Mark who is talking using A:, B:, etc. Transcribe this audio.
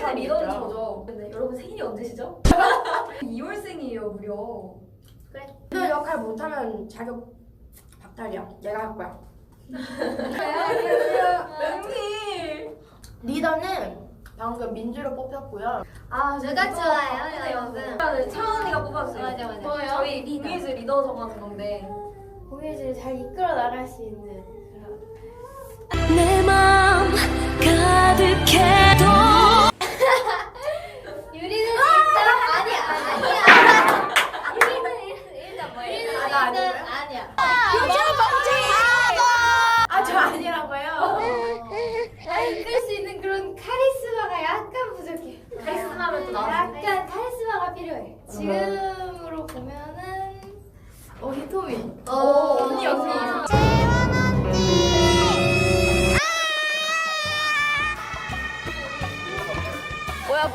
A: 근데 리더는
B: 있죠.
A: 저죠. 근데 여러분 생일이 언제시죠? 2월생이에요 무려.
B: 그래. 리더 역할 못하면 자격 박탈이야. 내가 할 거야.
A: 언니.
B: 리더는 방금 민주로 뽑혔고요.
A: 아
C: 누가 좋아요, 여러분?
A: 차은이가 뽑았어요.
C: 맞아, 맞아.
A: 뭐예요? 저희 리더. 리더 정하는 건데.
C: 공예를 잘 이끌어 나갈 수 있는 그런.
D: 내 마음 가득해도
C: 유리는 일단 아니야. 유리는 일단 뭐야?
B: 나 아니고요?
C: 아니야.
B: 아, 저 아니라고요?
C: 이끌 수 있는 그런 카리스마가 약간 부족해.
A: 카리스마면 또 나왔는데.
C: 약간 카리스마가 필요해. 지금